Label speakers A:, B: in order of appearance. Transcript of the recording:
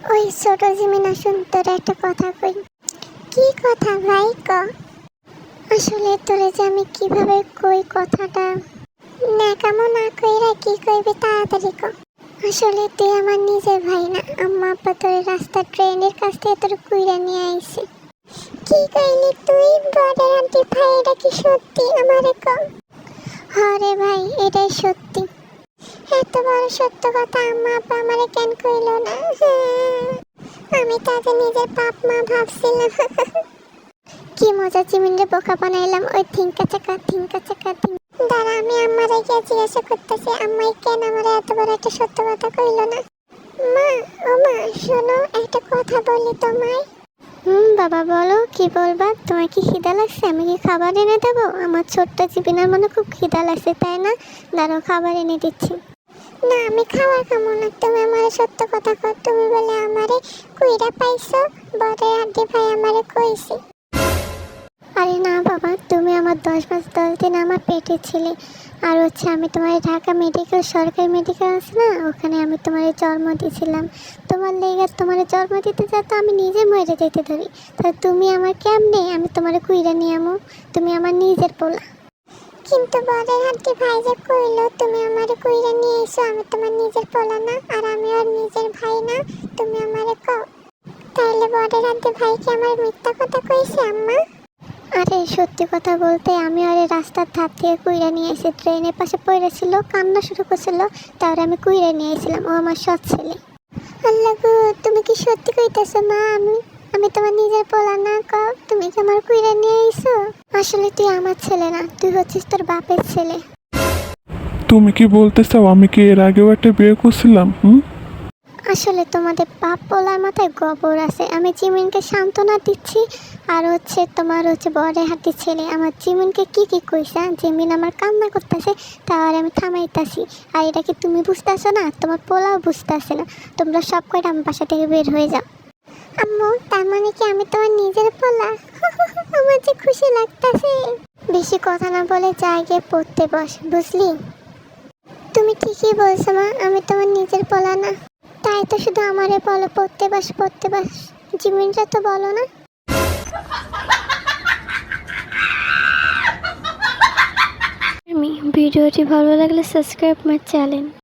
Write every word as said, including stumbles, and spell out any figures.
A: ওই ছোট জিমিনা শুন, তোর একটা কথা কই। কি কথা ভাই ক? আসলে তোরে যে আমি কিভাবে কই কথাটা, ন্যাকামো না কইরা কি কইবি তাড়াতাড়ি ক। আসলে তুই আমার নিজের ভাই না, আম্মা আব্বা তোর রাস্তা ট্রেনের কাছ থেকে তোর কুইরা নিয়ে আইছে। কি কইলি তুই? বড় আন্টি ভাই, এটা কি সত্যি? আমারে ক। হরে ভাই, এটাই সত্যি। এত বড় সত্য কথা আম্মা আব্বা আমারে কেন কইল না? আমি তাদের নিজের বাপ মা ভাবছিলাম। কি মজা, চিমিনরে বোকা বানাইলাম। ওই থিঙ্কা চাকা থিঙ্কা চাকা থিঙ্কা। দাঁড়া, আমি আম্মারে গিয়ে জিজ্ঞাসা করতেছি আম্মাই কেন আমারে এত বড় একটা সত্য কথা কইল না। মা, ও মা শোনো, একটা কথা বলি তোমায়। হুম বাবা বলো, কি বলবা? তোমার কি খিদা লাগছে? আমি কি খাবার এনে দেবো? আমার ছোট্ট চিবিনার মনে খুব খিদা লাগছে, তাই না? দাঁড়াও, খাবার এনে দিচ্ছি। না, আমি খাবার খাবো না। তুমি আমারে সত্য কথা কর। তুমি বলে আমারে কুইরা পাইছো, বড় আন্টি ভাই আমারে কইছে। আরে না বাবা, তুমি আমার দশ মাস দশ দিন আমার পেটে ছিলে। আর হচ্ছে আমি তোমার ঢাকা মেডিকেল, সরকারি মেডিকেল আছে না, ওখানে আমি তোমার জন্ম দিয়েছিলাম। তোমার লেগে তোমার জন্ম দিতে যা তো আমি নিজে মরে যেতে ধরি। তা তুমি আমার কেমনে আমি তোমার কুইরা নিয়ে আমো? তুমি আমার নিজের পোলা। কিন্তু বড় আন্টি ভাই যে কইলো তুমি আমারে কুইরা নিয়ে এসো, আমি তোমার নিজের পোলা না, আর আমি আর নিজের ভাই না, তুমি আমারে কও। তাইলে বড় আন্টি ভাই কি আমার মিথ্যা কথা কইছে আম্মা? আরে সত্যি কথা বলতে, আমি আরে রাস্তার ধার থেকে কুইরা নিয়ে এসে ট্রেনের পাশে পড়েছিল, কান্না শুরু করছিল, তারপরে আমি কুইরা নিয়ে এসেছিলাম। ও আমার সৎ ছেলে। আল্লাহ গো, তুমি কি সত্যি কইতেছো মা? আমি আমি তোমার নিজের পোলা না ক? তুমি কি আমার কুইরা নিয়ে আইছো? আসলে তুই আমার ছেলে না, তুই হচ্ছিস তোর বাপের ছেলে।
B: তুমি কি বলতে চাও আমি কি এর আগেও একটা বিয়ে করছিলাম? হুম
A: আসলে তোমাদের বাপ পোলার মাথায় গোবর আছে। আমি জিমিনকে সান্ত্বনা দিচ্ছি, আর হচ্ছে তোমার হচ্ছে বড় হাতির ছেলে আমার জিমিনকে কি কি কইছে। জিমিন আমার কান্না করতেছে, তার আমি থামাইতাছি। আর এটা কি তুমি বুঝতেছো না? তোমার পোলাও বুঝতেছে না। তোমরা সব কয়টা আমার বাসা থেকে বের হয়ে যাও। আম্মু, তার মানে কি আমি তোমার নিজের পোলা? আমার যে খুশি লাগতেছে। বেশি কথা না বলে যা গিয়ে পড়তে বস, বুঝলি? তুমি ঠিকই বলছো মা, আমি তোমার নিজের পোলা না। তাই তো শুধু আমারে বলো পড়তে বাস পড়তে বাস। জিমিনরা তো বলো না। ভিডিওটি ভালো লাগলে সাবস্ক্রাইব মাই চ্যানেল।